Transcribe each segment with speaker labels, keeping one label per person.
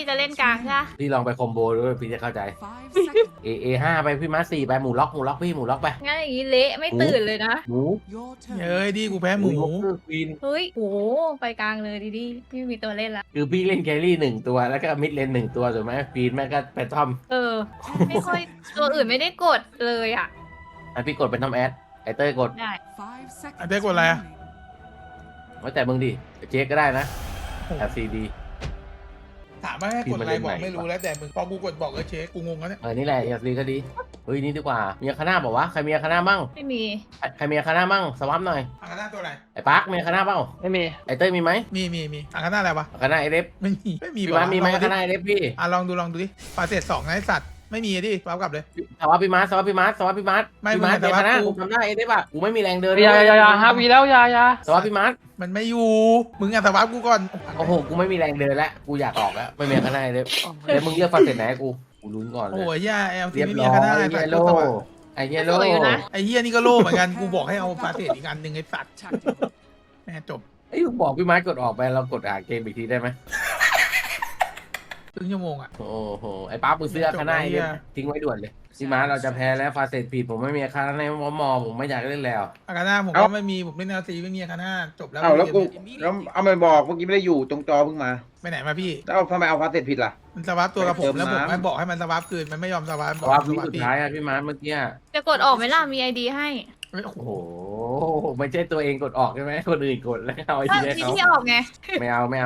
Speaker 1: จะเล่นกลางใช่ไหม
Speaker 2: พี่ลองไปคอมโบด้วยพี่จะเข้าใจA5ไปพี่มา4ไปหมูล็อกพี่หมูล็อกไป
Speaker 1: งั้นอย่างนี้เละไม่ตื่นเลยนะ
Speaker 2: หมู
Speaker 3: เอ้ยดีกูแพ้หมู
Speaker 2: ควีน
Speaker 1: เฮ้ยโหไปกลางเลยดีๆพี่มีตัวเล่นละ
Speaker 2: คือพี่เล่นแครี่1ตัวแล้วก็มิดเลน1ตัวถูกไหมควีนแม่ก็ไปทอม
Speaker 1: ไม่ค่อยตัวอื่นไม่ได้กดเลยอ่ะ
Speaker 2: พี่กดเป็นทอมแอดไอเต้ยกด
Speaker 1: ได้
Speaker 3: อันเต้กดอะไรอะ
Speaker 2: ไว้แต่มึงดิเจ๊ก็ได้นะ LCD
Speaker 3: ถามว่าให้กดอะไร
Speaker 2: พิมพ์
Speaker 3: บ
Speaker 2: มา
Speaker 3: อก
Speaker 2: เล่นไหน
Speaker 3: ไม่รู้แล้วแต่มึงพอกูกดบอกเช็คกูงงแล้วเนี่ย
Speaker 2: นี่แหละ LCD ก็ดีเฮ้ยนี่ดีกว่ามีอาคาน่าบอกว่าใครมีอาคาน่ามั่ง
Speaker 1: ไม่มี
Speaker 2: ใครมีอาคาน่ามั่งสวับหน่อย
Speaker 3: อังคาน่าตัวอะไร
Speaker 2: ไอ้ปาร์คมีอาคาน่าเปล่า
Speaker 4: ไม่มี
Speaker 2: ไอเต้ยมีไหม
Speaker 3: มีอังคาน่าอะไรวะ
Speaker 2: อาคาน่าไอเดฟ
Speaker 3: ไม่มี
Speaker 2: พี่มามีไหมอาคาน่าไอเดฟพี่
Speaker 3: ลองดูดิปาเศษ2นะไอสัตว์ไม่มีดิปั๊บกลับเลย
Speaker 2: สวับพี่มาพี่มา
Speaker 3: ไม่
Speaker 2: พี่มา
Speaker 3: มึงแต่
Speaker 2: อา
Speaker 3: ว่า
Speaker 2: คาน่า
Speaker 3: กู
Speaker 2: กูทำได้ไอเดฟอ่ะกูไม่มีแรงเดิน
Speaker 4: อย่าฮาวีแล้วอย่า
Speaker 2: สวับพี่มา
Speaker 3: มันไม่อยู่มึงอ่ะแต่ว่ากูก่อน
Speaker 2: โอ้โหกูไม่มีแรงเดินแล้วกูอยากออกแล้วไม่มีอาคาน่าไอเดฟเดี๋ยวมึงเลือกฟันเสร็จไหนกูลุ้นก่อนเล
Speaker 3: โอ้
Speaker 2: ย
Speaker 3: ยย่าเอลที
Speaker 2: เรียบ
Speaker 3: ไม่มี
Speaker 2: ร้อ
Speaker 3: อังคาน่าย ไอ
Speaker 2: เย
Speaker 3: สัตว์
Speaker 2: โล
Speaker 3: ตัว
Speaker 2: ไอเยโล
Speaker 1: สวยอยู่นะ
Speaker 3: ไอเฮียนี่ก็โล่เหมือนกันกูบอกให้เอาปาเศษอีกอันหนึ่งไอสัตว์แม่จบ
Speaker 2: ไอ้ยบอกพี่มาร์กดออกไปเรากดอ่านเกมอีกทีได้ไหม
Speaker 3: ครึ่งชั่วโมงอ่ะ
Speaker 2: โอ้โหไอ้ป๊ามึงซื้ออาคาน่าไอเดฟทิ้งไว้ด่วนเลยพี่มาร์เราจะแพ้แล้วฟาเสร็จผิดผมไม่มีอาคาน่าในมอผมไม่อยากเล่นแล้ว
Speaker 3: อังคาน่าผมก็ไม่มีผมเล่นเอลทีไม่มีอังคาน่าจบแล้ว
Speaker 5: เอาแล้วกูแล้วเอามาบอกเมื่อกี้ไม่ได้อยู่ตรงจอเพิ่งมา
Speaker 3: ไปไหนมาพี่
Speaker 5: แล้วทำไมเอาพาสเสร็จผิดล่ะ
Speaker 3: มันสวาปตัวกับผมแล้วผม
Speaker 5: เติมน้ำ
Speaker 3: ไม่บอกให้มันสวาปคืนมันไม่ยอมสวาป
Speaker 2: สวับวิสุดท้ายอะพี่มาร์เมื่อกี้
Speaker 1: จะกดออกไหมล่ะมีไอดีให้
Speaker 3: โอ้โห
Speaker 2: โอ้โหไม่ใช่ตัวเองกดออกใช่ไหมคนอื่นกดแล้วเอาไอ
Speaker 1: ถ้า
Speaker 2: ทีให้
Speaker 1: ที่
Speaker 2: เขา
Speaker 1: ที่ออกไง
Speaker 2: ไม่เอา
Speaker 4: ไม่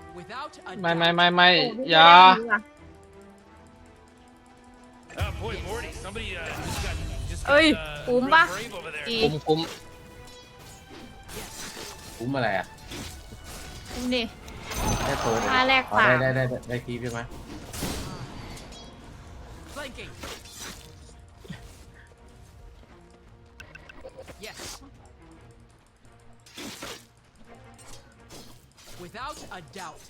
Speaker 4: อย่า
Speaker 1: เอ้ยคุ้มปะดี
Speaker 4: คุ้ม
Speaker 2: คุ้มอะไรอ่ะ
Speaker 1: คุ้มดิ
Speaker 2: แค่ตัว
Speaker 1: ค่าแรก
Speaker 2: อ๋อ
Speaker 1: ฝาก
Speaker 2: ได้ทีพี่มา
Speaker 6: Without a doubt.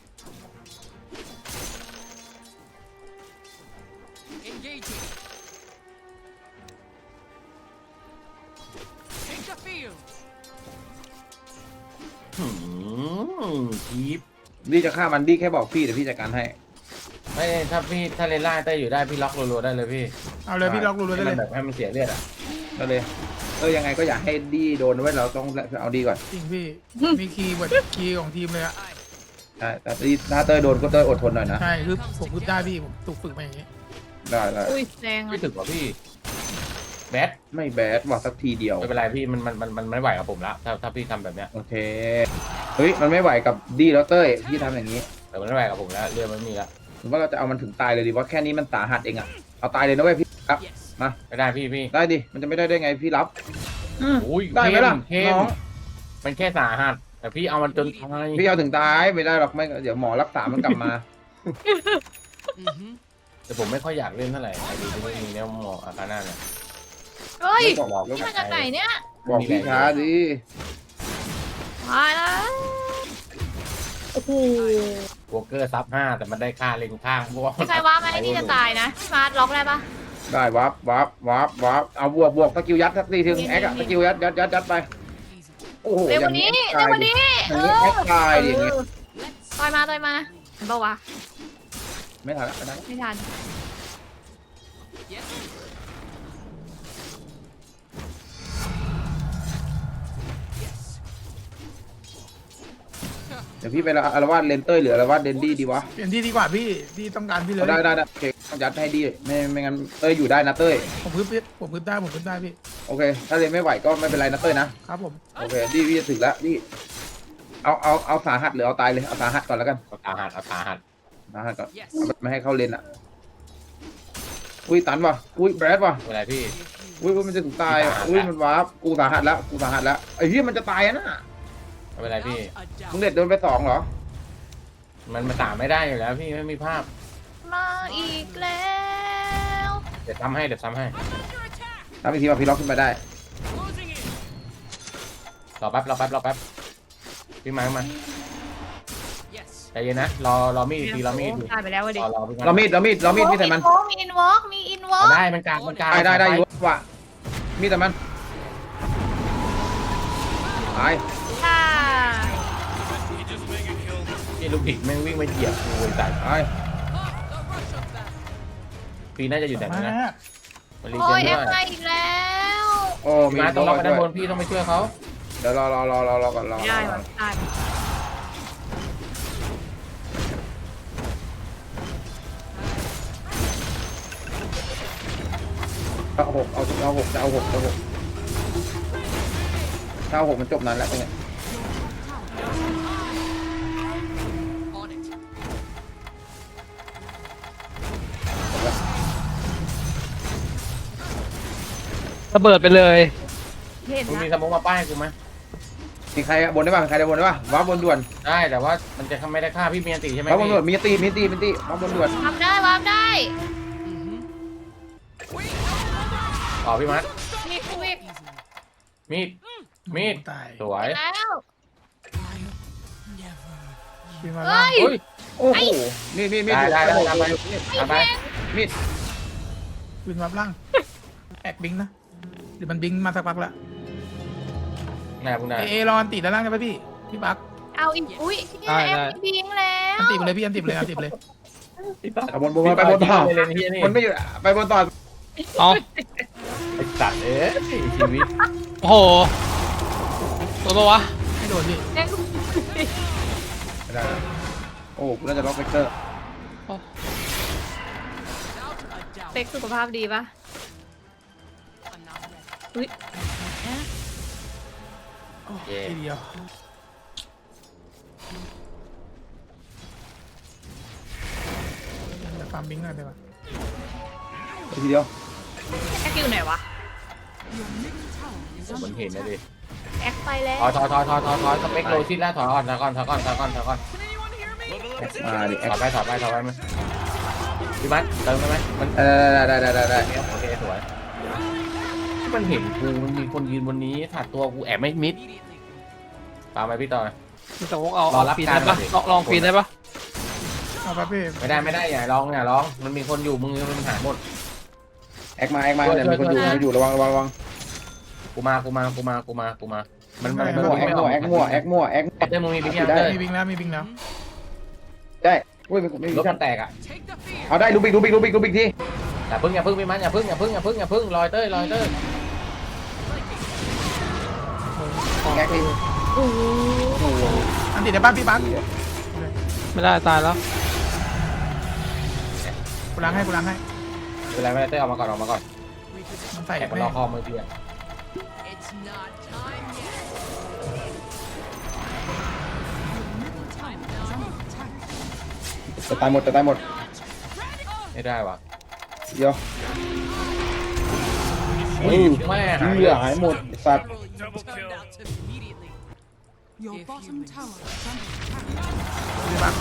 Speaker 6: Engaging. Take the field.
Speaker 2: ทีฟ
Speaker 5: ดีจะฆ่ามันดีแค่บอกพี่เดี๋ยวพี่จัดการให้
Speaker 2: ไม่ถ้าเลนล่าเต้อยู่ได้พี่ล็อกรัวๆได้เลยพี่
Speaker 3: เอาเลยพี่ล็อกรูได้เลย
Speaker 2: แบบให้มันเสียเลือดอ่ะ
Speaker 5: ก็เลยยังไงก็อยากให้ดีโดนไว้เราต้องเอาดีก่อน
Speaker 3: จริงพี่มีคีย์ของทีมเลยอะ
Speaker 5: ใช่แต่ดีถ้าเต้ยโดนก็เต้ยอดทนหน่อยนะ
Speaker 3: ใช่คือผมพึ่ได้พี่ผมถูกฝึกมาอย่างนี้
Speaker 5: ได้
Speaker 1: อุ้ยแรง
Speaker 2: ไม่
Speaker 1: อ่ะ
Speaker 2: ถึกกว่าพี่แบท
Speaker 5: ไม่แบดว่าสักทีเดียว
Speaker 2: ไม่เป็นไรพี่มันไม่ไหวกับผมแล้วถ้าพี่ทำแบบเนี้ย
Speaker 5: โอเคเฮ้ยมันไม่ไหวกับดีแล้วเต้ยพี่ทำอย่างนี้
Speaker 2: แต่มันไม่ไหวกับผมแล้วเลือดมันไม่มีแล้ว
Speaker 5: หรือว่าเราจะเอามันถึงตายเลยดีว่าแค่นี้มันสาหัสเองอะเอาตายเลยนะเว้ยพี่ครับ
Speaker 6: Yes.
Speaker 5: มา
Speaker 2: ไม่ได้พี่
Speaker 5: ได้ดิมันจะไม่ได้ไงพี่รับ
Speaker 2: อุ้ย
Speaker 5: ได้ไหมล่ะ
Speaker 2: เข้
Speaker 5: น้
Speaker 2: ม
Speaker 5: อง
Speaker 2: มันแค่สาหัสแต่พี่เอามันจนตาย
Speaker 5: พี่เอาถึงตายไม่ได้หรอกไม่เดี๋ยวหมอรักษามันกลับมา
Speaker 6: Mm-hmm.
Speaker 2: แต่ผมไม่ค่อยอยากเล่นเท่าไหร่ไอ้ดีที่ไม่มีเนี่ยหมออาคาน่าเนี่ย
Speaker 1: เฮ้ย
Speaker 5: ไม่บอก
Speaker 1: นี่มาจากไหนเนี่ย
Speaker 5: บอกพี่ช้าดิ
Speaker 1: ตายแล้วโอ้โห
Speaker 2: วอลเกอร์ซับ5แต่มันได้ค่าเลนข้างเพราะว่า
Speaker 1: ไม่ใครว่าไหมที่จะตายนะพี่มาร์ทล็อกได้ปะ
Speaker 5: ได้วับเอาบวกสกิลยัดสักทีถึงแอคอะสกิลยัดไป โอ้โห
Speaker 1: เร็วกว่านี้เร็วกว่านี้
Speaker 5: อย่างนี้แอคตายดิอย่างนี้
Speaker 1: ต่อยมาเห็นปะวะ
Speaker 5: ไม่ทันละไม่ทันละ
Speaker 1: ไม่ทัน
Speaker 6: Yes.
Speaker 5: เดี๋ยวพี่ไปอารวาสเลนเตอร์หรืออารวาสเดนดี้ดีวะ
Speaker 3: เปลี่ยนที่ดีกว่าพี่ที่ต้องการพี่เลย
Speaker 5: ได้โอเคต้องยัดให้ดีไม่งั้นเต้ยอยู่ได้นะเต้ย
Speaker 3: ผมพึ่ได้พี่
Speaker 5: โอเค ถ้าเลนไม่ไหวก็ไม่เป็นไรนะเต้ยนะครับ
Speaker 3: ผม
Speaker 5: โอเคดีพี่จะถึงแล้วดีเอาสาหัสหรือเอาตายเลยเอาสาหัสก่อนแล้วกัน
Speaker 2: เอาสาหัส
Speaker 5: สาหัสก่อน
Speaker 6: Yes.
Speaker 5: ไม่ให้เข้าเลนอ่ะอุ้ยตันว่ะอุ้ยแบรดว่ะ
Speaker 2: ไม่เป็นไรพี่
Speaker 5: อุ้ยมันจะถึงตายอ่ะอุ้ยมันวาร์ปกูสาหัสแล้วไอ้เหี้ยมันจะตายนะ
Speaker 2: ไม่เป็นไรพี่
Speaker 6: Without a
Speaker 5: มึง
Speaker 6: doubt.
Speaker 5: เด็ดโดนไป2เหรอ
Speaker 2: มันตามไม่ได้อยู่แล้วพี่ไม่มีภาพ
Speaker 1: มาอีกแล้ว
Speaker 2: เดี๋ยวซ้ำให้
Speaker 6: Under attack.
Speaker 5: ทำอีกทีว่าพี่ล็อกขึ้นไปได้
Speaker 6: Closing in.
Speaker 2: รอแป๊บพี่มา
Speaker 6: Yes.
Speaker 2: ใจเย็นนะรอมีดทีรอมีดที
Speaker 1: ตายไปแล้วเว้ยดิ
Speaker 2: รอพี่
Speaker 5: เรามีดพี่ใส่มัน
Speaker 1: มีอินวอล์กมีอินวอล์ก
Speaker 2: ได้มันกลาง
Speaker 5: ได้อยู่ว่ะมีดใส่มันตาย
Speaker 1: ค่ะ
Speaker 2: พี่ลูกดิกแม่งวิ่งมาเหยียบกูไอ้สัตว์
Speaker 5: ตาย
Speaker 2: ปีน่าจะอยู่ไหน
Speaker 3: มา
Speaker 2: นะมันรี
Speaker 1: โอ้
Speaker 2: เจ
Speaker 1: ย
Speaker 2: น
Speaker 1: แอ
Speaker 2: ด้วย
Speaker 1: ปมาอีกแล้ว
Speaker 5: โอ้มี
Speaker 2: มาต้อง
Speaker 5: โด
Speaker 2: ล็อก
Speaker 5: น
Speaker 2: ไป
Speaker 5: ด้
Speaker 2: ด้านบ
Speaker 5: วย
Speaker 2: นพี่ต้องไปช่วยเขา
Speaker 5: เดี๋ยวรอก่อนรอ
Speaker 1: ไม่ได้ว่ะได้
Speaker 5: เอาหกเอาหกจะเอาหกถ้าเอาหกมันจบนานแล้วเนี่ย
Speaker 6: On it.
Speaker 4: ระเบิดไปเลย
Speaker 1: เห็น
Speaker 2: มึง
Speaker 1: นะ
Speaker 2: มีสมองมาป้ายกูไหม
Speaker 5: มีใครบนได้ป่ะใครได้บนได้ป่ะว้าบนด่วน
Speaker 2: ได้แต่ว่ามันจะไม่ได้ฆ่าพี่เมียนตีใช่ไหม
Speaker 5: ว้าบน
Speaker 2: พี่
Speaker 5: ด่วนมีตีว้าบนด่วน
Speaker 1: วาร์ปได้วาร์ปได้
Speaker 2: ต่อพี่มัด
Speaker 1: มีคุย
Speaker 2: มีด
Speaker 3: ตาย
Speaker 2: สวย
Speaker 1: แล้ว
Speaker 3: ปีนมา
Speaker 1: เฮ้
Speaker 3: ล่าง
Speaker 1: ย
Speaker 2: เฮ้ย
Speaker 5: โอ้โหมีด
Speaker 2: ได้ตามไปตามไป
Speaker 5: มีด
Speaker 3: ปีนมาล่างแอกบิงนะเดี๋ยวมันบิงมาสักพักละ
Speaker 2: ไหนมึงไหน
Speaker 3: เอรออันติด้านล่างได้ไหมพี่บัก
Speaker 1: เอาอีกอุ้ยเนี่ยแอปบิงแล้ว
Speaker 3: อันติไปเลยพี่อันติไปเลยอันติไปเลย
Speaker 5: เอาบนไปบนต่อ
Speaker 2: ไปเลยนี่นี่
Speaker 5: มันไม่อยู่ไปบนต่อ
Speaker 4: เอา
Speaker 2: ไอ้สัตว์ชีวิต
Speaker 4: โอ้โหตัวปะวะ
Speaker 3: ไม่โดนพี่
Speaker 1: แอป
Speaker 5: ไม่ได้โอ้กูน่าจะล็อกเวกเตอร์
Speaker 6: Without a doubt.
Speaker 1: เป็กสุขภาพดีปะ
Speaker 6: I'm not ready.
Speaker 1: อุ้ย
Speaker 3: ทีเดียวจะฟาร์มบิงหน่อยได้ปะ
Speaker 5: ทีเดียว
Speaker 1: แอปอยู่ไหนวะ
Speaker 2: มันเห็นนะดิ
Speaker 1: แอปไปแล้ว
Speaker 2: ถอยสเปคโลชิดแล้วถอยก่อน
Speaker 6: Can anyone hear me?
Speaker 5: มาดิ
Speaker 2: ถอยไปมั้ยพี่มัดเติมได้ไหมมัน
Speaker 5: ได้
Speaker 2: โอเคสวยมันเห็นกูมันมีคนยืนบนนี้ถัดตัวกูแอบไม่มิด
Speaker 6: Immediately.
Speaker 2: ตามไปพี่ต่อ
Speaker 4: มีแต่วกเอา
Speaker 2: รอรับ
Speaker 4: ปีน
Speaker 2: การ
Speaker 4: ได้ปะ
Speaker 2: ก่อนดิ
Speaker 4: ลองปีนได้ปะ
Speaker 3: เอาปะพี่
Speaker 2: ไม่ได้อย่าร้องมันมีคนอยู่มึงมันหายหมด
Speaker 5: แอคมาเนี่ยมีคนอยู่ระวัง
Speaker 2: กูมามัน
Speaker 5: แอคมั่ว
Speaker 2: เต้มึงมีบิ๊กยัง
Speaker 5: ได้
Speaker 2: เต้
Speaker 3: มีบิงแล้วมีบิงแล้ว
Speaker 5: ได้อุ้ยไม่
Speaker 2: ร
Speaker 5: มี
Speaker 2: ถ
Speaker 5: กั
Speaker 2: มัน นแตกอ่ะ
Speaker 6: Take the fear.
Speaker 5: เอาได้ลูบิกที
Speaker 2: อย่าพึ่งพี่มันอย่าพึ่งลอยเต้ย
Speaker 5: แอคดิ
Speaker 1: โอ้โห
Speaker 3: อันติได้บ้านพี่บัก
Speaker 4: ไม่ได้ตายแล้ว
Speaker 3: กูล้างให้
Speaker 2: ไม่เป็นไรเต้ยออกมาก่อน
Speaker 3: มันใส่
Speaker 2: แอบมัน
Speaker 3: ไม่
Speaker 2: รอคอมือพี่อ่ะ
Speaker 6: It's not time yet. Time now.
Speaker 5: จะตายหมด
Speaker 2: ไม่ได้ว่ะ
Speaker 5: เดี๋ยว
Speaker 2: แม่หาย
Speaker 5: เหลือหายหมดสัตว์
Speaker 6: Double kill. Immediately.
Speaker 7: Your
Speaker 6: If
Speaker 7: bottom
Speaker 6: humans-
Speaker 7: tower is under attack.
Speaker 3: พี่บัก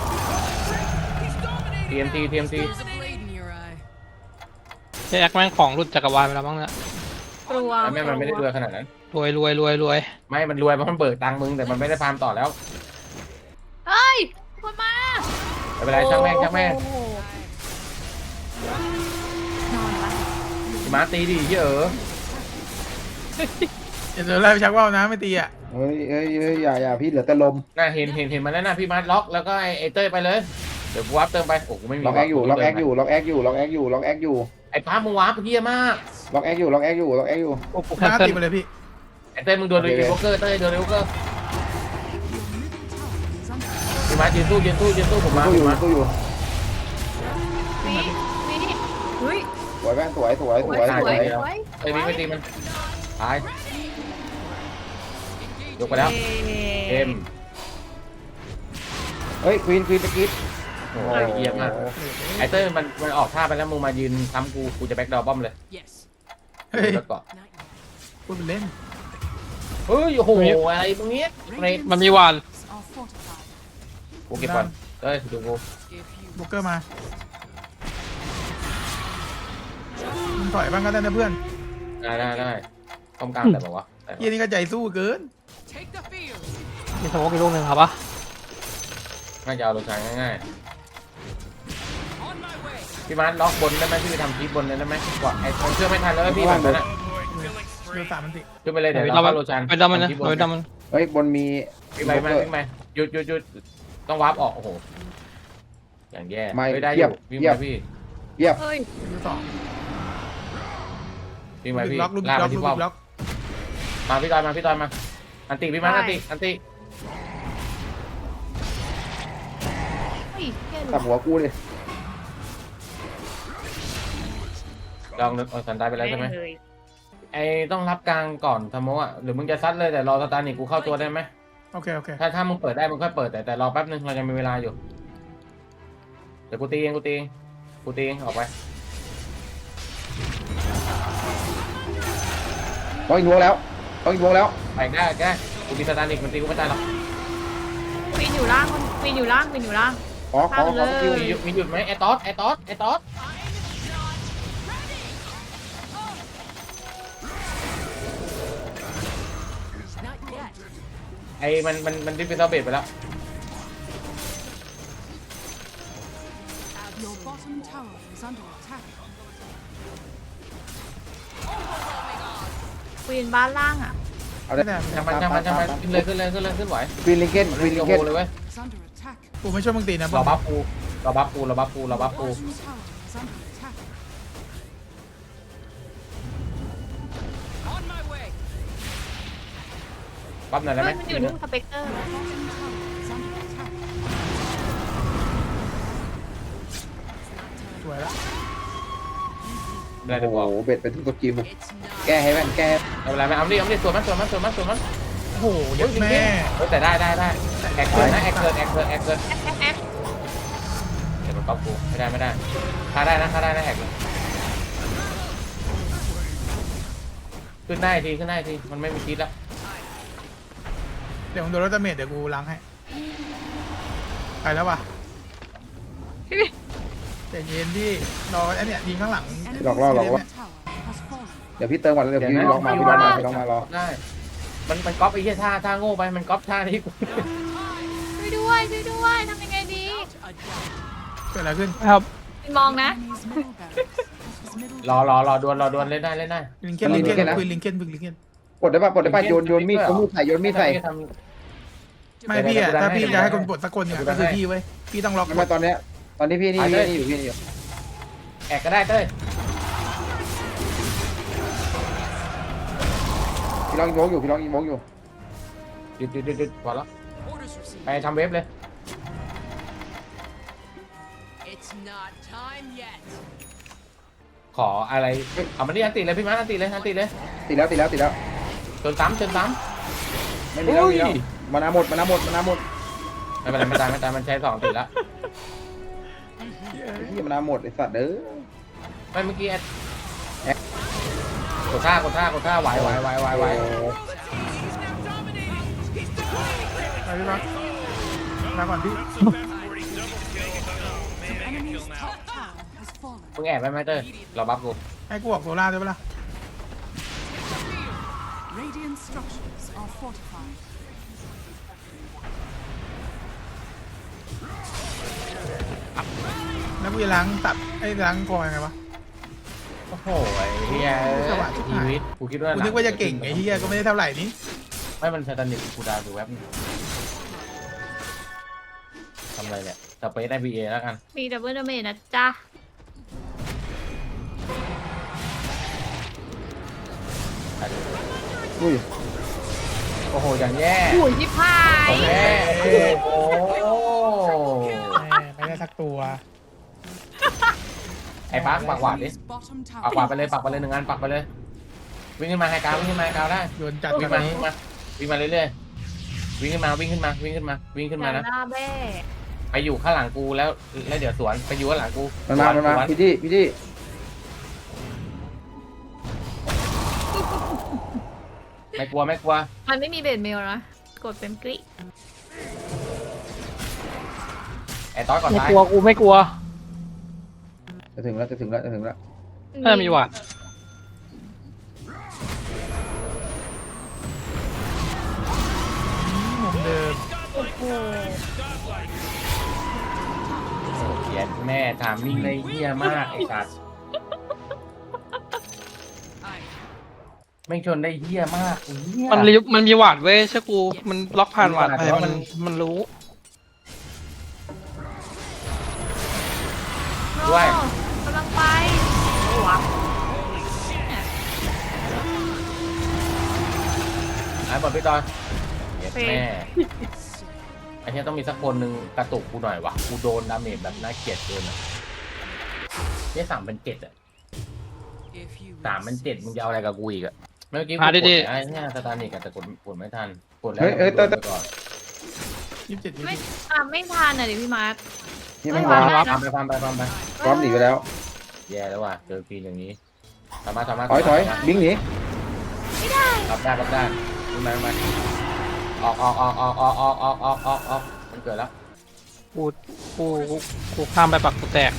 Speaker 2: TMT
Speaker 6: There's a blade in your eye.
Speaker 4: แจ็คแม่งของหลุดจักรวาลไปแล้วมั้งเนี่ย
Speaker 1: กลัว
Speaker 2: แม่มันไม่ได้รวยขนาดนั้น
Speaker 4: รวย
Speaker 2: ไม่มันรวยเพราะมันเบิกตังค์มึงแต่มันไม่ได้ฟาร์มต่อแล้ว
Speaker 1: เฮ้ยคนมา
Speaker 2: ไม่เป็นไรช่างแม่ง
Speaker 1: โอ้โหนอนละ
Speaker 2: มาตีดิเยอะ
Speaker 3: อย่าเดี๋ยวไล่ไปชักว่าวนะไม่ตีอ่ะ
Speaker 5: เฮ้ยอย่าพี่เหลือแต่ลม
Speaker 2: น่าเห็นมันแล้วนะพี่มัดล็อกแล้วก็ไอ้เต้ยไปเลยเดี๋ยวกูวาร์ปเติมไปโอ้กูไม่มี
Speaker 5: ล็อกแอคอยู่
Speaker 2: ไอ้พามึงวาร์ปเฮียมาก
Speaker 5: ล็อกแอคอยู่
Speaker 4: โอ้กูแค
Speaker 3: ล้าน ง
Speaker 4: เซิล
Speaker 3: ติไปเลยพี่
Speaker 2: ไอ้เต้ยมึงโดนเลยอีโวเกอร์เต้ยโดนเลยอีโวเกอร์พี่มัดยืนสู้ผมมา
Speaker 5: ตู้อยู่
Speaker 1: วิเฮ้ย
Speaker 5: สวยแม่สวย
Speaker 1: สวย
Speaker 2: เอ้ยไม่ตีมันตายยกไปแล้วเอ็ม
Speaker 5: เฮ้ยควีนตะกี้
Speaker 2: โอ้ยเยี่ยมมากไอ้เต้ยมันออกท่าไปแล้วมึงมายืนซ้ำกูจะแบ็คดอร์บอมเลย
Speaker 6: Yes.
Speaker 3: เฮ้ย
Speaker 2: แล้วก็
Speaker 6: Not yet.
Speaker 3: พูดเป็นเล่น
Speaker 2: เฮ้ยโอ้โหอะไรตรงนี้เรด
Speaker 4: มันมีวาน
Speaker 7: Are fortified.
Speaker 2: กูเก็บก่อนเต้ยดูกู
Speaker 6: If you
Speaker 3: บุกเกอร์มามึงถอยบ้างก็ได้นะเพื่อน
Speaker 2: ได้ป้อมกลางแต่บอกว่า
Speaker 3: เยี่ยนี่ก็ใจสู้เกิน
Speaker 6: take the field.
Speaker 4: มีสโมกอีกลูกหนึ่งครับปะ
Speaker 2: น่าจะเอาลงทางง่าย
Speaker 6: On my way.
Speaker 2: ๆพี่มาร์ทล็อกบนได้ไหมพี่ไปทำคลิปบนได้ไหมกว่าไอ้คนเชื่อไม่ทันแล้วพี่แบบนั้น
Speaker 3: เดือดสามมันติ
Speaker 2: ขึ้นไปเลยเดี๋ยว
Speaker 4: เรา
Speaker 2: เราเข้าโลชัน
Speaker 4: ไปดำมันนะไปดำมัน
Speaker 5: เฮ้ยบนมี
Speaker 2: พี่ไปหยุดต้องวาร์ปออกโอ้โหอย่างแย่ไม่ได้อยู่วิ่งไปพี่
Speaker 5: เยียบ
Speaker 1: เฮ้ย
Speaker 3: ดูสอง
Speaker 2: วิ่งไป
Speaker 3: ลูก
Speaker 2: พี่
Speaker 3: ล็อกลูก
Speaker 2: ลาก
Speaker 3: ล็
Speaker 2: ไป
Speaker 3: อก
Speaker 2: ที่
Speaker 3: ลู
Speaker 2: ป้อม
Speaker 3: กล็อก
Speaker 2: มาพี่ตอยมาพี่ตอยมาอันติพี่มาอันติอันติ
Speaker 1: เฮ้ยแค่หลุ
Speaker 5: ตับ
Speaker 1: ด
Speaker 5: หัวกูเลย
Speaker 2: ลองนึกสันตายไปแล้วใช่ไหม
Speaker 1: เลย
Speaker 2: ไอ้ต้องรับกลางก่อนทำโมอ่ะหรือมึงจะซัดเลยแต่รอสตาร์นิกกูเข้าตัวได้ไหม
Speaker 3: โอเคโอเค
Speaker 2: ถ้ามึงเปิดได้มึงค่อยเปิดแต่รอแป๊บนึงเรายังมีเวลาอยู่เดี๋ยวกูตีเองออกไป
Speaker 5: ต้องอินวงแล้วต้องอินวงแล้ว
Speaker 2: ไปได้กูตีสตาร์นิกมันตีกูไม่ตายหรอก
Speaker 1: วินอยู่ล่างวินอยู่ล่างวินอยู่ล่าง
Speaker 5: ขอสกิล
Speaker 2: มีหยุดไหมไอ้ตอส
Speaker 6: Not yet.
Speaker 2: ไอ้มันดิฟเฟนเซอร์เบดไปแล้ว
Speaker 7: Your bottom tower is under attack.
Speaker 1: วินบ้านล่างอ่ะ
Speaker 5: เอาได้
Speaker 2: ช่างมันขึ้นไหว
Speaker 5: ควีนลิงเกนควีนลิงเกน
Speaker 2: เลยเว้ย
Speaker 7: Is under attack.
Speaker 3: กูไม่ช่วยมึงตีนะ
Speaker 2: รอบัฟปู
Speaker 7: Your bottom tower is under attack.
Speaker 6: On my way.
Speaker 2: ปั๊บหน่อยได้ไหม
Speaker 1: เฮ้ยมันอยู่นู่นสเปกเตอร์
Speaker 7: Your bottom tower is under attack.
Speaker 3: สวยแล้ว
Speaker 2: ได้
Speaker 5: โอ้
Speaker 2: เดี๋ยว
Speaker 5: โห
Speaker 2: บอก
Speaker 5: เบ็ดไปทุกตัวกิว
Speaker 6: It's not.
Speaker 5: แก้ให้แม่นแก้
Speaker 2: ไม่เป็นไรไม่เอาดิสวนมัน
Speaker 3: โอ้โหเยัดแม่
Speaker 2: แต่ได้แอกเกินนะแอกเกิน
Speaker 1: แอ๊ก
Speaker 2: เดี๋ยวมันก๊อปกูไม่ได้ฆ่าได้นะแอกเลยขึ้นได้ทีมันไม่มีคิดแล้ว
Speaker 3: เดี๋ยวผมโดนรถดาเมจเดี๋ยวกูล้างให้ไปแล้วว่ะใจเย็นดิรอไอ้เนี่ยยิงข้างหลัง
Speaker 7: Enemy's
Speaker 5: หลอกล่อ
Speaker 7: tower has fallen.
Speaker 5: เดี๋ยวพี่เติมก่อนเดี๋ยวพี่ลองมารอ
Speaker 2: ได้มันก๊อปไอ้เหี้ยท่าโง่ไปมันก๊อปท่าที่กู
Speaker 1: ช่วยด้วยทำยังไงดี
Speaker 6: A dot.
Speaker 3: เกิดอะไรขึ้น
Speaker 4: ครับ
Speaker 1: วินมองนะ
Speaker 7: Enemy's middle barracks. This was middle
Speaker 2: รอดวนเล่นได้
Speaker 3: ลิงเกนลิงเกนคุยลิงเกนบึกลิงเกน
Speaker 5: ปลดได้ป่ะโยนมีดใส่
Speaker 3: ไม่พี่อะถ้าพี่จะให้คนปลดสักคนเนี่ยก็คือพี่เว้ยพี่ต้องล็อก
Speaker 5: ไม่ตอนนี้พี่นี่อยู่
Speaker 2: แอกก็ได้เต้ย
Speaker 5: พี่ลองอินวงอยู่ห
Speaker 2: ยุดพอแล้ว
Speaker 6: Orders received.
Speaker 2: ไปทำเว็บเลย
Speaker 6: It's not time yet.
Speaker 2: ขออะไรเอามันนี่อันติเลยพี่มาอันติเลย
Speaker 5: ติดแล้ว
Speaker 2: จนซ้ำ
Speaker 5: ไม่มีแล้วมานาหมด
Speaker 2: ไม่เป็นไรไม่ตายมันใช้2ติดแล้ว
Speaker 5: พี่มานาหมดไอ้สัตว์เด้อ
Speaker 2: ไม่เมื่อกี้กดท่าไหว
Speaker 3: ไปพี่รักมาก่อนพี่
Speaker 7: enemy's top tower has fallen.
Speaker 2: มึงแอบไปไหมเต้ยเราบัฟกู
Speaker 3: ให้กูออกโซล่าได้ปะล่ะ
Speaker 7: Radiant structures are fortified.
Speaker 3: แล้วกูจะล้างตัดไอ้ล้างคอยังไงวะ
Speaker 2: โอ้โหไอ้เหี้ยชีวิตกูคิดว่า
Speaker 3: กูนึกว่าจะเก่งไอ้เหี้ยก็ไม่ได้เท่าไหร่นี่
Speaker 2: ไม่มันสแตนดิกูดาวดูแว็บทำอะไรเนี่ยสเปซได้ BA แล้วกัน
Speaker 1: มีดับเบิลดาเมจนะจ๊ะ
Speaker 5: อุ้ย
Speaker 2: โอ้โหอย่างแย่
Speaker 1: โอ้ยยิบหาย
Speaker 2: แย่โอ้โห
Speaker 3: ไม่ได้สักตัว
Speaker 2: ไอ้ปักหวาดดิ
Speaker 7: Enemy's bottom
Speaker 2: ปัก
Speaker 7: tower
Speaker 2: หวาดไปเลย1 อันปักไปเลยวิ่งขึ้นมาไฮกราวได้
Speaker 3: โยนจัด
Speaker 2: วิ่ง
Speaker 3: กั
Speaker 2: มาน วิ่งมาเรื่อยๆวิ่งขึ้นมานะ
Speaker 1: หน้าแบ้
Speaker 2: ไปอยู่ข้างหลังกูแล้วเดี๋ยวสวนไปอยู่ข้างหลังกู
Speaker 5: มันมาพี่ที่
Speaker 2: ไม่กลัว
Speaker 1: มันไม่มีเบดเมลนะกดเป็นกริ
Speaker 2: ไอ้ต้อยก่อน
Speaker 4: ไม่
Speaker 2: ท้าย
Speaker 4: กลัวกูไม่กลัว
Speaker 5: จะถึงแล้ว
Speaker 4: น่าจะมีหวัด
Speaker 3: มุมเดิม
Speaker 1: โอ้โห
Speaker 2: เขียนแม่ถามมิ่งเลยเหี้ยมากไอ้สัตว์ไม่ชนได้เหี้ยมากเหี้ย
Speaker 4: มันมีหวัดเว้ยเชื่อกูมันล็อกผ่านหวัดไปมันรู้
Speaker 1: ด้วยกำลังไปหวัง
Speaker 2: ไอ้บอลพี่ตอนเย็ดแม่ไอ้เนี้ยต้องมีสักคนหนึ่งกระตุกกูหน่อยวะกูโดนดาเมจแบบน่าเกลียดเกินอะเนี่ย3,700อะ
Speaker 6: If you
Speaker 2: 3,700มึงจะเอาอะไรกับกูอีกอะเมื่อกี้กู
Speaker 4: หาก
Speaker 2: ด
Speaker 4: ดี
Speaker 2: ไอ้เนี่ยสตาร์นิกแต่กดไม่ทันกดแล้ว
Speaker 5: เฮ้ย
Speaker 2: โดนไปก่อน
Speaker 3: 27
Speaker 1: ไม่ไม่ทันอ่ะดิพี่มาร์ค
Speaker 5: นี่ไม่
Speaker 1: ไม่
Speaker 5: วา
Speaker 1: ว่า
Speaker 5: ร์ป
Speaker 2: ฟาร์มไปฟาร์มไปฟาร์มไป
Speaker 5: พร้อมหนีไปแล้ว
Speaker 2: แย่แล้วว่ะเจอฟีนอย่างนี้ทำมา
Speaker 5: ถอยบิงหนี
Speaker 1: ไม่ได้
Speaker 2: รับได้ขึ้นมาออกมันเกิดแล้ว
Speaker 4: กูข้ามไปปักกูแตก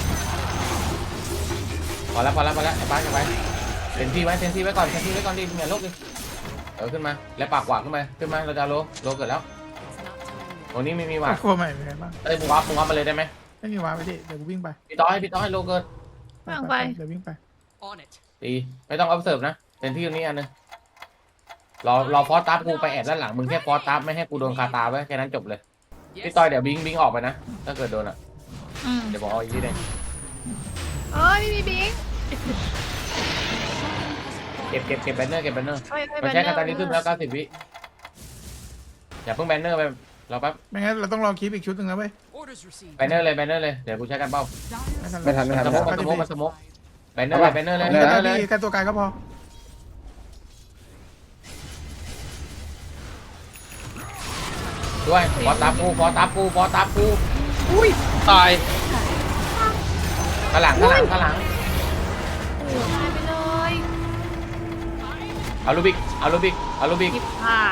Speaker 2: พอแล้วไอ้ป้าจะไปเซนที่ไว้ก่อนดิอย่าโลกดิขึ้นมาแล้วปากหวานขึ้นมาเราจะโลเกิดแล้ว
Speaker 6: it's not time yet.
Speaker 2: ตรงนี้ไม่มีหวา
Speaker 3: วา
Speaker 2: ด
Speaker 3: กลัวใหม่เป็นไงบ้าง
Speaker 2: เอ้ยมึงวับมาเลยได้ไหม
Speaker 3: ไม่มีวาไปดิเดี๋ยวกูวิ่งไป
Speaker 2: พี่ต้อยโลเกิด
Speaker 3: เดี๋ยววิ่งไป
Speaker 6: On it.
Speaker 2: ตีไม่ต้อง observe นะเซนที่ตรงนี้อันนึงรอฟอสตัฟกูไปแอบด้านหลังมึงแค่ฟอสตัฟไม่ให้กูโดนคาตาไว้แค่นั้นจบเลยพี่ต้อยเดี๋ยวบิงออกไปนะถ้าเกิดโดนอ่ะ
Speaker 1: อืม
Speaker 2: เดี๋ยวบอกเอาอีกทีนึง
Speaker 1: เอ้ยไม่มีบิง
Speaker 2: เก็บแบนเนอร์
Speaker 1: เอ้ย
Speaker 2: มันใช้คาตาลิซึมแล้ว90 วิอย่าเพิ่งแบนเนอร์ไปรอแป๊บ
Speaker 3: ไม่งั้นเราต้องรอคลิปอีกชุดหนึ่งนะเว้ย
Speaker 6: Orders received.
Speaker 2: แบนเนอร์เลยเดี๋ยวกูใช้กันเป้า
Speaker 3: ไม่ทัน
Speaker 5: ไม่ทัน
Speaker 2: มันสโมกแบนเนอร์เลย
Speaker 3: แค่ตัวกายก็พอ
Speaker 2: ด้วยฟอตับกูอุ้ย
Speaker 4: ตาย
Speaker 2: ข้างหลัง
Speaker 1: โอ้ยตายไปเลย
Speaker 2: เอาลูบิก
Speaker 1: หยิบหาย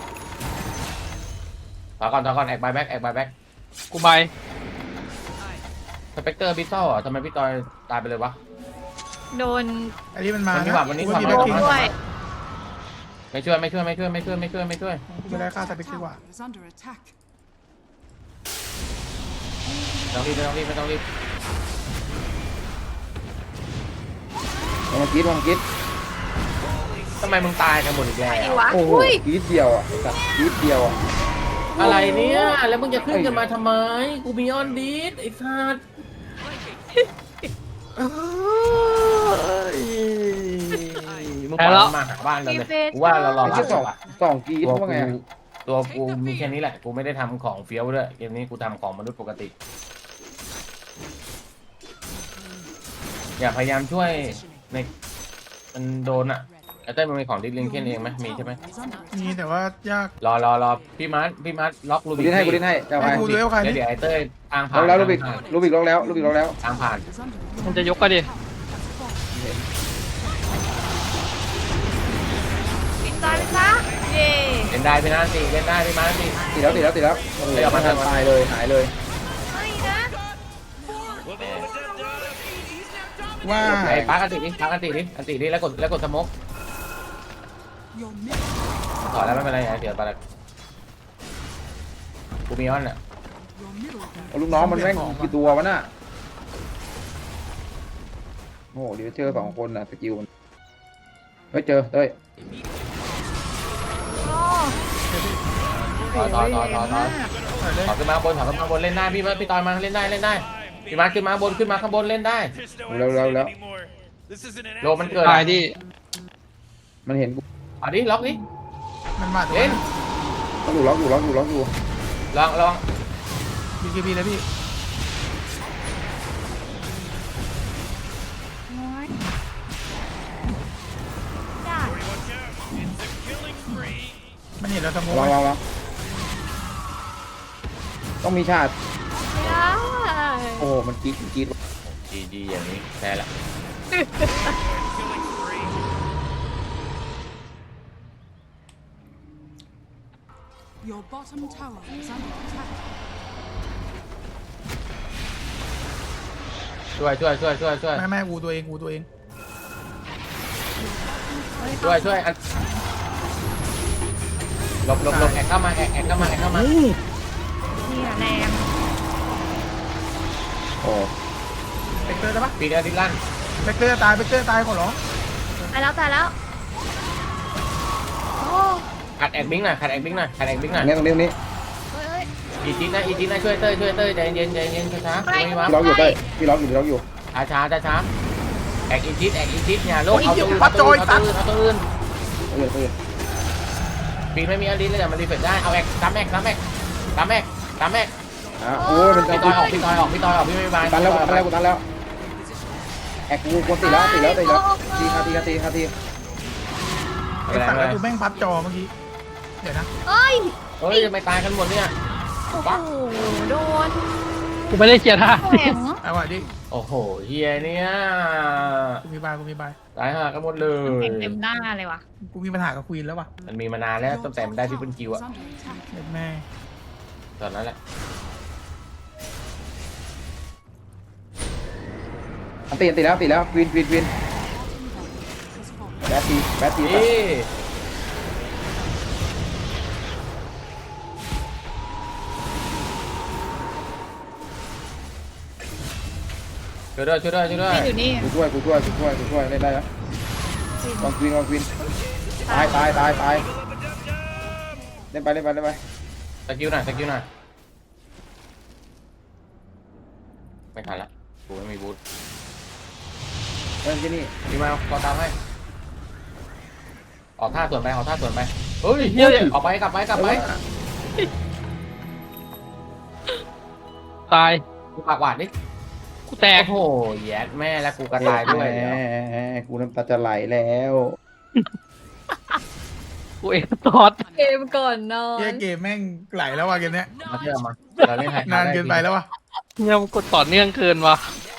Speaker 2: ต่อก่อนแอกบายแบ็ก
Speaker 4: กูใบ
Speaker 2: สเปกเตอร์บิทเทิลอ่ะทำไมพี่ตอยตายไปเลยวะ
Speaker 1: โดน
Speaker 3: อันนี้มันมา
Speaker 2: มันมี
Speaker 3: นะ
Speaker 2: หวัดวันนี้
Speaker 3: กู
Speaker 2: หวัด
Speaker 3: มี
Speaker 2: วัน
Speaker 3: แบ็ค
Speaker 2: นี้
Speaker 3: พิง
Speaker 1: ด้วย
Speaker 2: ไม่ช่วย
Speaker 3: กูไม่ได้ฆ่าสเปกดีกว่า
Speaker 7: Tower is under attack.
Speaker 2: ไม่ต้องรีบ
Speaker 5: ลองมากรีด
Speaker 2: ทำไมมึงตายกันหมดอีกแล้ว
Speaker 1: ไอ้วะ
Speaker 5: โอ้โห
Speaker 1: อุ้ย
Speaker 5: กรีดเดียวอ่ะสัตว์กรีดเดียวอ่ะ
Speaker 2: อะไรเนี่ยแล้วมึงจะขึ้นกันมาทำไมกูมีออนดีดไอ้สัสมึงปล่อยมันมาหาบ้านเราเลยกูว่าเรารอ
Speaker 5: ไอ้
Speaker 2: รั
Speaker 5: เชี่
Speaker 2: บ
Speaker 5: ยสองกรีด
Speaker 2: ตัว
Speaker 5: ว่าไง
Speaker 2: กูมีแค่นี้แหละกูไม่ได้ทำของเฟี้ยวด้วยเกมนี้กูทำของมนุษย์ปกติอย่าพยายามช่วยในมันโดนอ่ะไอ้เต้ยมันมีของดิสลิงเคนเองไหมมีใช่ไหม
Speaker 7: Is under
Speaker 3: มี
Speaker 7: attack.
Speaker 3: แต่ว่ายาก
Speaker 2: รอพี่มาร์ทล็อกลู
Speaker 5: กู
Speaker 2: บิก
Speaker 5: ดิ้นให้เจ้า
Speaker 3: ไอ้
Speaker 5: ไอ้
Speaker 3: กูดูว่าใคร
Speaker 2: แล้ว
Speaker 3: นี่
Speaker 2: เดี๋ยวไอ้เต้ยทางผ่า
Speaker 5: ล็อน กแล้วลูบิก
Speaker 2: ทางผ่าน
Speaker 5: ล็อกแล้ว
Speaker 2: ทางผ่าน
Speaker 7: Is under
Speaker 4: มันจะยกก็ดิ
Speaker 1: ปิดตายไปซะเย่
Speaker 2: เล่นได้พี่นันตีเล่นได้พี่มาร์ทตี
Speaker 5: ตีแล้วโอ้โหมาทันตายเลยหายเลย
Speaker 1: ไม่นะ
Speaker 3: ว่า
Speaker 2: ไอ้ปาร์คอันติดิแล้วกดสโมก
Speaker 7: your middle.
Speaker 2: ถอดแล้วไม่เป็นไรเดี๋ยวไปละกูมีออนอ่ะ
Speaker 7: Your middle.
Speaker 5: เอาลูกน้องมันแม่งกี่ตัววะน่ะโอ้โหเดี๋ยวเจอ2 คนน่ะสกิลมันเฮ้ยเจอเต้ย
Speaker 1: โอ้
Speaker 2: ถอขึ้นมาข้างบนเล่นได้พี่ตอยมาเล่นได้พี่มาร์ทขึ้นมาข้างบนเล่นได้
Speaker 5: แล้ว
Speaker 2: โลมันเกิด
Speaker 4: ตายดิ
Speaker 5: มันเห็นกู
Speaker 2: เอาดิล็อกดิ
Speaker 3: มันมาตัว
Speaker 2: เล่น
Speaker 5: ล็อกอยู่
Speaker 2: ลอง
Speaker 3: BKB เลยพี่
Speaker 1: ยได้
Speaker 3: มันเห็นเราสมมติ
Speaker 5: ลองต้องมีชาติ
Speaker 1: ไม่ได้
Speaker 5: โอ้โหมันกรีด
Speaker 2: จีอย่างนี้แพ้ละ
Speaker 7: Your bottom tower is under attack.
Speaker 2: ช่วย
Speaker 3: แม่กูตัวเอง
Speaker 2: ช่วยอันหลบแอกเข้ามา
Speaker 1: นี่แรง
Speaker 5: โอ้
Speaker 3: เบกเตอร์ได้ปะ
Speaker 2: ปีเดียวดิลั่น
Speaker 3: เบกเตอร์ตายขอร้อง
Speaker 1: ตายแล้วโอ้
Speaker 2: ขัดแอกบิงหน่อย
Speaker 5: เนี่ยตรงนี้
Speaker 1: เฮ้ย
Speaker 2: อีจีน่าช่วยเต้ยใจเย็นช้าๆ
Speaker 5: พี่ล็อกอยู่เต้ยพี่ล็อกอยู่
Speaker 2: ทัช้าแอกอินทิสเนี่ยโลกเอาตัวอื่นเอาตัวอื่น
Speaker 5: เออ
Speaker 2: ปีนไม่มีอลิสเลยมันรีเฟรชได้เอาแอกตามแอก
Speaker 5: โอ้ยมันจะ
Speaker 2: พี่ต่อยออกพี่ไม่บาย
Speaker 5: ตันแล้วแอกกูกดตีแล้วตีคาตี
Speaker 3: ไอ้สัตว์แล้วกูแม่งพับจอเมื่อกี้เดี๋ยวนะ
Speaker 1: เอ้ย
Speaker 2: เฮ้ยจะไม่ตายกันหมดเนี่ย
Speaker 1: โอ้โหโดน
Speaker 4: กูไม่ได้เชียร์ท่า
Speaker 1: แข็ง
Speaker 3: เอาว่ะดิ
Speaker 2: โอ้โหเฮียเนี่ย
Speaker 3: กูมีบาย
Speaker 2: ตายห่ากันหมดเลย
Speaker 1: แข็งเต็มหน้าเลยว่ะ
Speaker 3: กูมีปัญหากับควีนแล้วว่ะ
Speaker 2: มันมีมานานแล้วตั้งแต่มันได้ที่เป็นคิวอะ
Speaker 7: Is under attack.
Speaker 3: เด็ดแม่
Speaker 2: ตอนนั้นแหละ
Speaker 5: ตีแล้วควีน
Speaker 7: Has fallen.
Speaker 5: แบทตี
Speaker 2: นี่ช่วยด้วย
Speaker 1: อยู่นี่
Speaker 5: กูช่วยเล่นได้แล้ววางควีนตายเล่นไป
Speaker 2: สกิลหน่อยไม่ทันละกูไม่มีบูท
Speaker 5: เล่นที่นี่
Speaker 2: พี่มาขอตามให้ออกท่าส่วนไปเฮ้ยออกไปกลับไป
Speaker 4: ตาย
Speaker 2: กูปากหวานดิ
Speaker 4: กูแตก
Speaker 2: โอ้โหแย่แม่แล้วกูกระตายด้วย
Speaker 5: กูน้ำตาจะไหลแล้ว
Speaker 4: กูเองตอด
Speaker 1: เกมก่อนนอ
Speaker 3: เฮีย
Speaker 1: น
Speaker 3: เกมแม่งไหลแล้วว่ะเกมเนี้ย
Speaker 2: มาเชื่อมาเราเล่นไฮ
Speaker 3: นานเกินไปแล้วว่ะ
Speaker 4: เนี่ยมันกดต่อเนื่องเกินว่ะ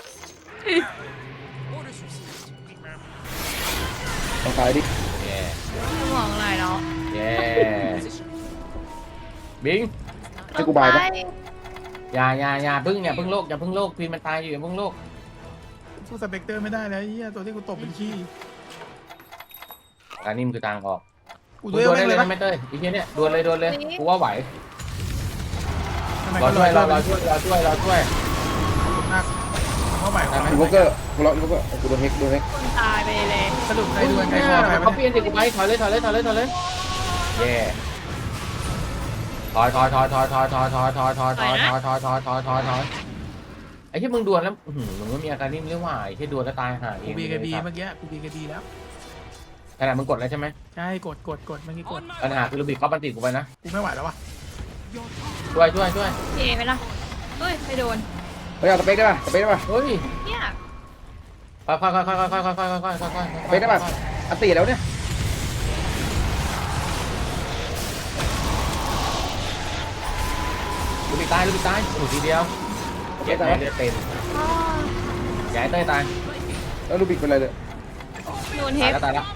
Speaker 6: Orders received.
Speaker 5: ต้องตายดิ
Speaker 2: แย่
Speaker 1: สมองไหลเนาะ
Speaker 2: แย่บิง
Speaker 5: ให้กูบายปะ
Speaker 2: อย่าพึ่งโลกพีนมันตายอยู่อย่าพึ่งโลก
Speaker 3: สู้สเปกเตอร์ไม่ได้แล้วเฮียตัวที่กูตบเป็นขี้
Speaker 2: อันนี้มันคือทางออก
Speaker 3: กู
Speaker 2: ด
Speaker 3: ด้วย
Speaker 2: วล
Speaker 3: แม่
Speaker 2: ได้
Speaker 3: ง
Speaker 2: เล
Speaker 3: เลย ย
Speaker 2: นะไม่เต้ยอีกทีเนี้ยดวลเลยกูว่าไหว
Speaker 3: ทำไม
Speaker 2: เรา
Speaker 3: ก็
Speaker 2: ช่วย
Speaker 3: เรา
Speaker 2: เรา
Speaker 3: ช่วย
Speaker 2: ช่วย
Speaker 3: มากเข้าใหม่
Speaker 5: อีโวเกอร์กูรออีโวเกอร์กูโดนเฮก
Speaker 1: คนตายไปเลย
Speaker 3: สรุปใครดวลใครคอใคร
Speaker 2: เขาเปลี่ยนสิกูไปถอยเลยเย่ถอยไอ้ที่มึงดวลแล้วมึงไม่มีอาการนิ่มเรื่องว่าไอ้ที่ดวลแล้วตายห่าเอ
Speaker 3: กู
Speaker 2: ง
Speaker 3: บีกับบีเมื่อกี้กูบีกับบีแล้ว
Speaker 2: ขนาดมึงกดแล้วใช่ไหม
Speaker 3: ใช่กดเมื่อกี้กด
Speaker 2: ปัญหาคือลูบิกเขาบันติกูไปนะ
Speaker 3: กูไม่ไหวแล้วว่ะ
Speaker 2: ช่วย
Speaker 1: เอไปละเฮ้ยไม่โดน
Speaker 5: เฮ้ยเอาสเปกได้ป่ะ
Speaker 2: เฮ้ย
Speaker 1: เนี่ย
Speaker 2: ค่อย
Speaker 5: สเปกได้ป่ะอันตีแล้วเนี่ย
Speaker 2: ลูบิกตายโอ้ทีเดียวเจ็บเลือดเต็ม
Speaker 1: อ้อ
Speaker 2: ย้ายเต้ยตาย
Speaker 5: แล้วลูบิกเป็นไรเลย
Speaker 1: โดนเฮ
Speaker 2: ตาย
Speaker 1: ฟ
Speaker 2: แล้ว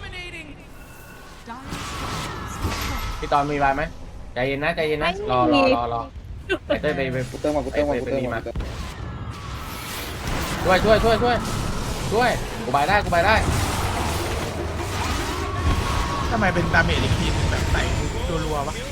Speaker 2: พี่ตอนมีบายไหมใจเย็นนะรอไอ้เต้ยไป
Speaker 5: กูเติมมาช่
Speaker 2: วยกูบายได้
Speaker 3: ทำไมเป็นดาเมจอีกทีนึงแบบใส่รัวๆวะ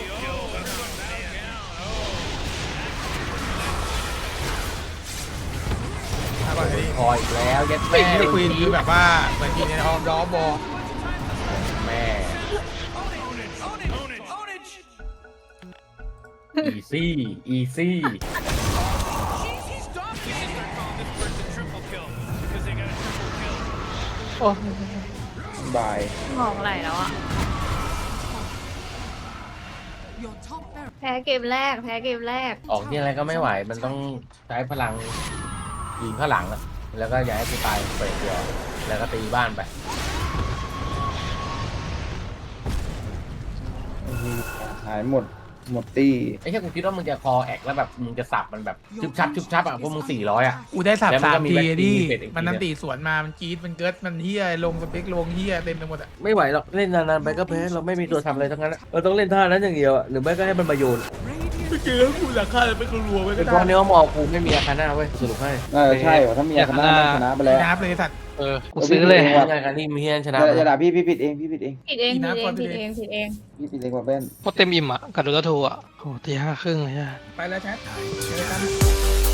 Speaker 3: เอาก่อนดิ
Speaker 2: คอยอีกแล้วยัด
Speaker 3: ไม่
Speaker 2: แม่
Speaker 3: ควีนคือแบบว่าเหมือนกินในออมล้อบอ
Speaker 2: แม่อีซี่
Speaker 4: โอ้
Speaker 5: บาย
Speaker 1: สมองไหลแล้วอ่ะ
Speaker 7: Your top barracks.
Speaker 1: แพ้เกมแรก
Speaker 2: ออกที่อะไรก็ไม่ไหวมันต้องใช้พลังยิงข้างหลังอะแล้วก็ย้ายกูตายไปเดียวแล้วก็ตีบ้านไป
Speaker 5: หายหมดตี
Speaker 2: ไอ้แค่กูคิดว่ามึงจะคอแอกแล้วแบบมึงจะสับมันแบบชุบชับอ่ะพวกมึง400อ่ะ
Speaker 3: กูได้สับ
Speaker 2: แล้วมันก็
Speaker 3: 3
Speaker 2: มี
Speaker 3: ที
Speaker 2: แบ็ค
Speaker 3: ดิ
Speaker 2: มีเป็ดอีกที
Speaker 3: มันนันตีสวนมามันจี๊ดมันเกิดมันเฮียลงสเปกลงเฮียเต็มไปหมดอ่ะ
Speaker 8: ไม่ไหวหรอกเล่นนานๆไปก็แพ้เราไม่มีตัวทำอะไรทั้งนั้นอะเราต้องเล่นท่านั้นอย่างเดียวอะหรือไม่ก็ให้มันมาโยน
Speaker 3: ไม่เจอแล้วกูหลังคาเลยไปรัวๆไปก็
Speaker 8: เป็น
Speaker 3: ได้
Speaker 8: เพราะเนื้อมอกูไม่มีอาคาน่าเว้ยสรุปให้
Speaker 5: ใช่ถ้ามีชนะไปแล้ว
Speaker 3: นับเลยสัตว์
Speaker 4: กูซื้อเลย
Speaker 2: งานการนี่มีเฮียนชนะ
Speaker 5: อย่าด่าพี่ผิดเอง
Speaker 1: ผิดเองพี่เอง
Speaker 5: กว่าเป็น
Speaker 4: พอเต็มอิ่มอ่ะกัดดูแล้วโทรอ่ะโอ้ตี 5:30เลยอ่ะ
Speaker 3: ไปแล้วแชทเจอกัน